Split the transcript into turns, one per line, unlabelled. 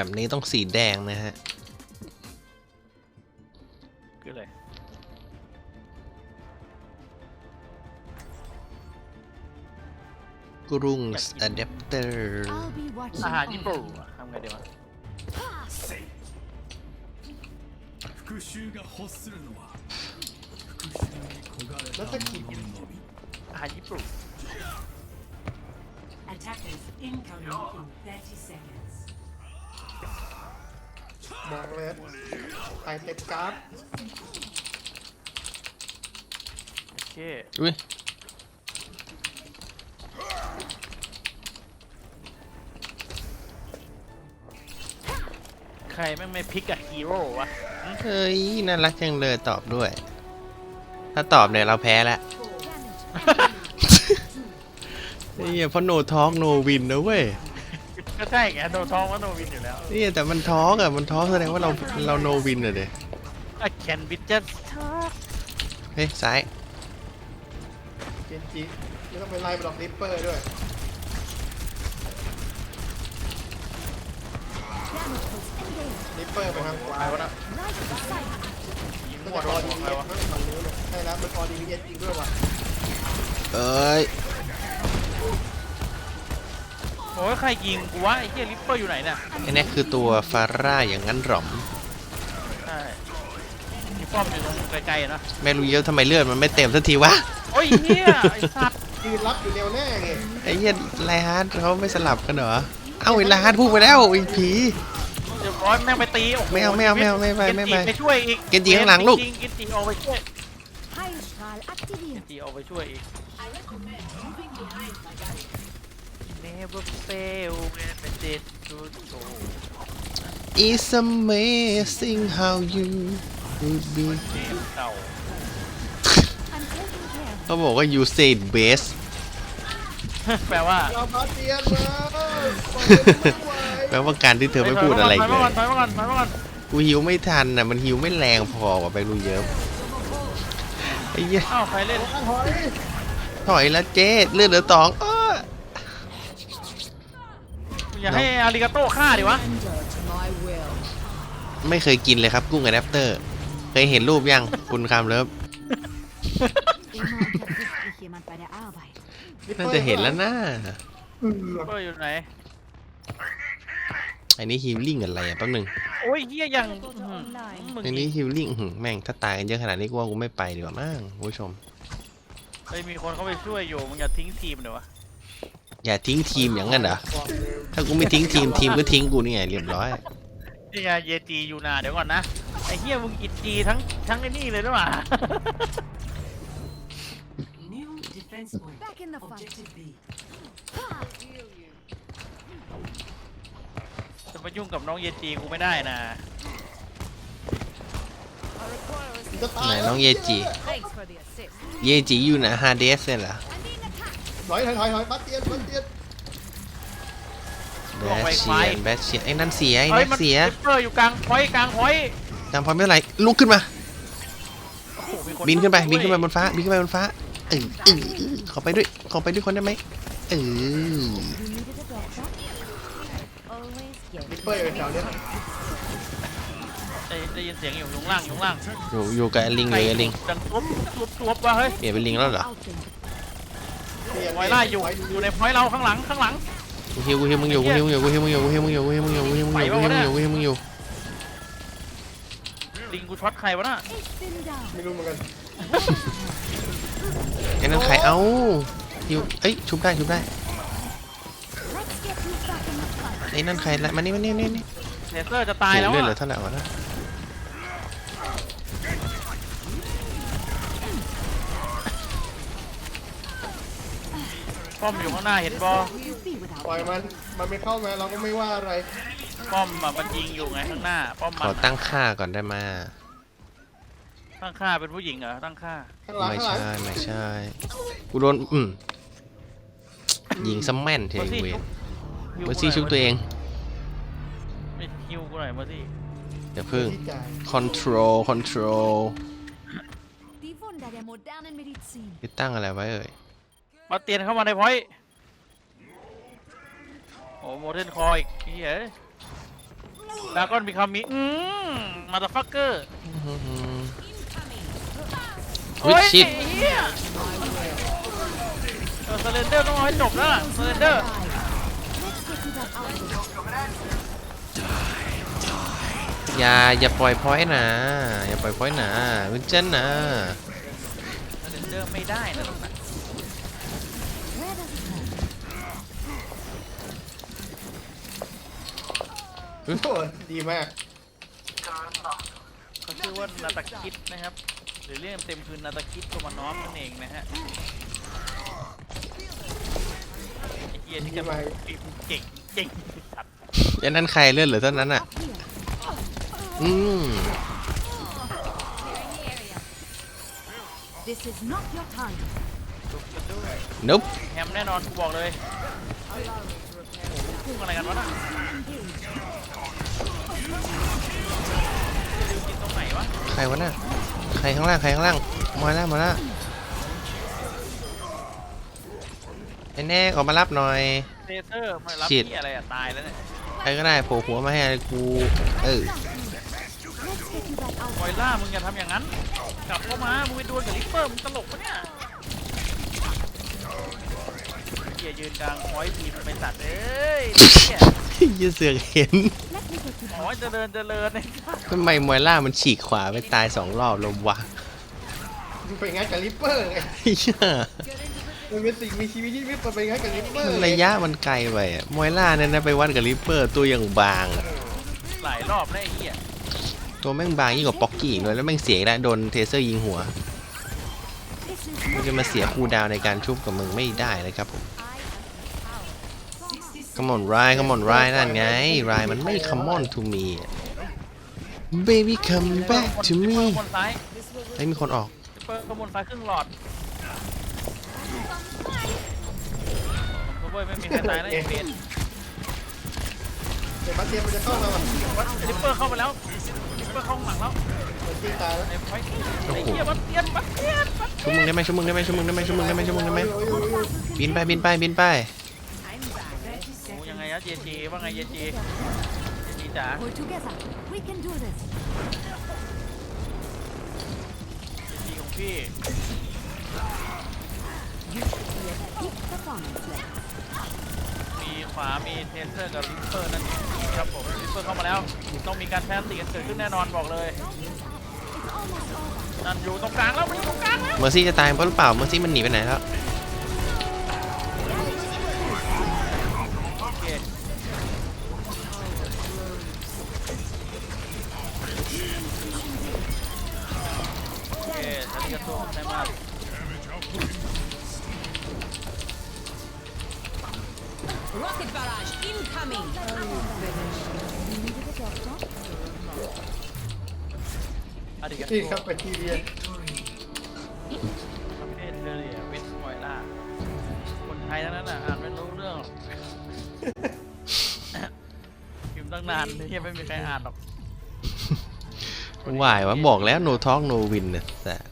แบบนี้ต้องสีแดงนะฮะ
คืออะไร
กรุงอะแดปเตอร์
อาหารญี่ปุ่นทำไงดีวะ
แล้วถ้ากิน
อาหารญี่ปุ่น
Attackers incoming in 30 seconds.
บอกเลยไอเต็มกราฟ
โอเค
อุ้ย
ใครแม่งไม่พิกอะฮีโร่วะ
เฮ้ยน่ารักจังเลยตอบด้วย ถ้าตอบเนี่ยเราแพ้แล้วนี่เพราะโนทอล์กโนวินนะเว้ย
ก็ใช่ไงโดนท้องว่าโนวินอยู่แล้ว
นี่แต่มันทอล์กอะมันทอล์กแสดงว่าเราโนวินอะเด้
อะแคนบิจัส
เฮ้ยซ้าย
เจนจิไม่ต้องไปไล่บล็อกริปเปอร์ด้วยริปเปอร์ไปทางขวาวะนะ
ยิง
ก็
หัว
จะ
โด
รอน ดี
หัว
เอ
ใคร
ส
วะ
มั้งฝั่งนู้นเลยใช่แล้วมันออดีเอสจริงด้วยว่ะ
เอ้ย
โอ้ยใครยิงกูวะไอ้เหี้ยลิปเปอร์อยู่ไหนเนี่ย
ไอ้นี่คือตัวฟาร่าอย่างนั้นหรอม
ใช่มีป้อมอยู่ตรงไกลๆอะนะ
ไม่รู้เยอะทำไมเลือดมันไม่เต็มสักทีวะ
โอ้ยเหี้ยไอ้สัตว์
ยืนรับอยู่แนวหน้าไง
ไอ้เหี้ยไลฮาร์ดเขาไม่สลับกันเหรอ เอ้าไอ้ไลฮาร์ดพุ่งไปแล้วไอ้ผี
เดี๋ยวร้อยแม่งไปตีโอ้โห
ไม่เอาไม่เอาไม่เอาไม่ไปไม่ไป
เกนจิไปช่วยอีก
เกนจิข้างหลังลูก
เกนจิออกไปช่วย
Heilstrahl
เก
aktiviert.
นจิออกไปช่วยอีก Never fail when the dead should go
It's amazing how you could be
เกมเก่า
I'm taking care.
เขาบอกว่า you said best
แปลว่า
เราบาเตียนมา
แปลว่าการที่เธอไม่พูดอะไร
ถ
เล
อย
ย
มาก่อนถอยมาก่อนถอยมาก่อน
กูหิวไม่ทันน่ะมันหิวไม่แรงพอว่ะไปรู้เยอะไอ้เหี้ย
อ้าวใครเล่น
ถอย
ถอยแล้วเจ๊เลือดเหลือสอง
อย่าให้อาริกาโต้ฆ่าดิวะ
ไม่เคยกินเลยครับกุ้งอะแดปเตอร์ เคยเห็นรูปยังคุณคำเลิฟ
Immer unterbricht mich jemand bei der Arbeit.
น่าจะเห็นแล้วนะ
เปอร์อยู่ไหน
อันนี้ฮิลลิ่งอะไรอ่ะแป๊บนึง
โอ้ยเฮียยังมึง
อันนี้ฮิลลิ่งแม่งถ้าตายกันเยอะขนาดนี้กูว่ากูไม่ไปดีกว่ามั้งคุณผู้ชม
เฮ้ยมีคนเข้าไปช่วยอยู่มึงอย่าทิ้งทีมเดี๋ยววะ
อย่าทิ้งทีมอย่างนั้นเหรอถ้ากูไม่ทิ้งทีมก็ทิ้งกูนี่ไงเรียบร้อย
นี่ไงเยจีอยู่นาเดี๋ยวก่อนนะไอ้เฮียมึงอิดจีทั้งไอ้นี่เลยหรือเปล่า
New defense point. Back in the fight. Objective B.
จะมายุ่งกับน้องเยจีกูไม่ได้นะ
จะตา
ไหน
ย
น้องเยจิ
Thanks for the assist.
เยจิอยู่นะฮาเดสเนี่ยเหรอ
ถอยบาเตียน
แบชเชียนไอ้นั่นเสียไอ้
เฮ้ย
นั่น
มัน
เสีย
ลิปเปอร์อยู่กลางพอยต์กลางพอยต์
ตามพร้อมไม่เป็นไรลุกขึ้นมา
โอ้โหมีค
บินขึ้นไป
ช่วย
บินขึ้นไปบนฟ้าบินขึ้นไปบนฟ้าขอไปด้วยคนได้ไหม
You needed a doctor? Always get
ริปเปอร์อยู่แถวเนี้ย
ได้ยินเสียงอยู่ข้างล่างอยู่ข้างล่าง
อยู่กับไอ้ลิงเลยไอ้ลิง
ดังทุบวะเฮ้ย
เปลี่ยนเป็นลิงแล้วเหรอ
out them.
ไวล่าอยู่ในพอยต์เราข้างหลัง
กูฮิวมึงอยู่
ลิงกูช็อตใครวะน่ะ
Ich bin da.
ไม่รู้เหมือนกัน
ไอ้นั่นใครเอ้าฮิวเอ้ยชุบได้
Let's get you back in the fight.
ไอ้นั่นใครละมานี่
เลเซอร์จะตายแล้ว
เลือดเหลื
อะ
อเท่าไหร่วะนะ
ป้อมอยู่ข้างหน้าเห็นบอ
You be without
ปล่อยมันไม่เข้ามาเราก็ไม่ว่าอะไร
ป้อมอะมันยิงอยู่ไงข้างหน้า ป้อม
ข
มั
อน ตั้งค่าก่อนได้มา
ตั้งค่าเป็นผู้หญิงเหรอตั้งค่า
ข้างหลัง
ไม่ใช่กูโดนยิงซัมแม่นเทเวเมอร์ซี่ชุบตัวเอง
ไม่ฮิวกูหน่อยมาสิ
เดี๋ยวพึ่ง
ที่จ่าย
control
Die Wunder der modernen Medizin.
ไปตั้งอะไรไว้เอ่ย
มาเตียนเข้ามาในพอยต์โอ้โมเดิร์นคออีกเฮ้ยดากอนมีคำมีมาตาฟักเกอร์
วิชิต
เฮียสเลนเดอร์ต้องเอาให้จบแล้วล่ะสเลนเดอร์
อย่าปล่อยพอยต์นะอย่าปล่อยพอยต์นะวินเจนนะ
สเลนเดอร์ไม่ได้นะลูกนะ
โอ้โหดีมาก
เขาชื่อว่านาตาคิดนะครับหรือเรียกเต็มคือนาตาคิดโทมานอฟนั่นเองนะฮะไอ้เฮียที่จะมาเก่งเก่งสัตว์
ยันนั้นใครเลื่อนเหรือเท่านั้นอ่ะอืม
This is not your time.
ลุกกันด้วย
นุ๊บ
แฮมแน่นอนกูบอกเลยพุ่งอะไรกันวะน่ะจะดูกินตรงไหนวะ
ใครวะน่ะใครข้างล่างมาแล้วไอ้แน่ออกมารับหน่อย
เซเซอร์มารับ
ชิด
ที่อะไรอะตายแล้วเนี่ย
ใครก็ได้โผล่หัวมาให้กู
คอยล่ามึงอย่าทำอย่างนั้น กลับเข้ามา มึงไปดวลกับลิปเปอร์ มึงตลกปะเนี่ยเฮียยืนกลางคอยทีมไปตัดเอ้ยเฮีย
ยืดเสือกเห็น
อ๋อเจริญเนี่ย
ทำไมมวยล่ามันฉีกขวาไปตาย2 รอบลมวะ
มึงไปงัดกับลิปเปอร์ไง
เหี้ย
มันเป็นสิ่งมีชีวิตที่ไม่ไปงัดกับลิปเปอร์
ระยะมันไกลไปอะมวยล่าเนี่ยนะไปวัดกับริปเปอร์ตัวอย่างบางอะ
หลายรอบแล้วไอ้เฮีย
ตัวแม่งบางยิ่งกว่าป๊อกกี้อีกเลยแล้วแม่งเสียอีกแล้วโดนเทเซอร์ยิงหัวมันจะมาเสียคูลดาวน์ในการชุบกับมึงไม่ได้นะครับผม Come on Ryan Come on Ryan นั่นไง Ryan มันไม่ Come on to me Baby come back to
ลิปเป
me
อร์บนซ้าย
ไอ้ยมีคนออก
ลิปเปอร์บนซ้ายครึ่งหลอดผมก็ไม่มีใครตายนะไอ้เบน
เดี๋ยวบัสเตียมันจะเข้ามาว่ะ
ลิปเปอร์เข้าไปแล้วลิปเปอร์เข้าข้างหลังแล้ว
เดี๋ยวตีตายแล้ว
ไอ้ไฟไอ้เฮียบัสเตียน
ชุบมึงได้ไหมชุบมึงได้ไหมชุบมึงได้ไหมชุบมึงได้ไหมชุบมึงได้ไหมบินไปบินไปบินไป
โอ้ยังไงอะเจเจว่าไงเจเจจ๋า
Pull together. We can do this.
เจของพี่
You should be at peak performance level.
มีขวามีเทเซอร์กับลิปเปอร์นั่นครับผมลิปเปอร์เข้ามาแล้วต้องมีการแพ้ตีกันเกิดขึ้นแน่นอนบอกเลย
It's almost over.
นั่นอยู่ตรงกลางแล้วมันอยู่ตรงกลางแล้ว
เมอร์ซี่จะตายเพราะหรือเปล่าเมอร์ซี่มันหนีไปไหนแล้ว
โอเคโอเคฉันจะสู้ใช่ไหม
Rocket barrage incoming.
You needed a doctor?
อาดิกา
นี่
โต
ครับไปทีเรียน
ประเทศเทเรียเวสต์มอยล่าคนไทยทั้งนั้นอ่ะอ่านไม่รู้เรื่องหรอกพิมพ์ตั้งนานที่ไม่มีใครอ่านหรอก
วายวะบอกแล้ว no talk no win นะแต่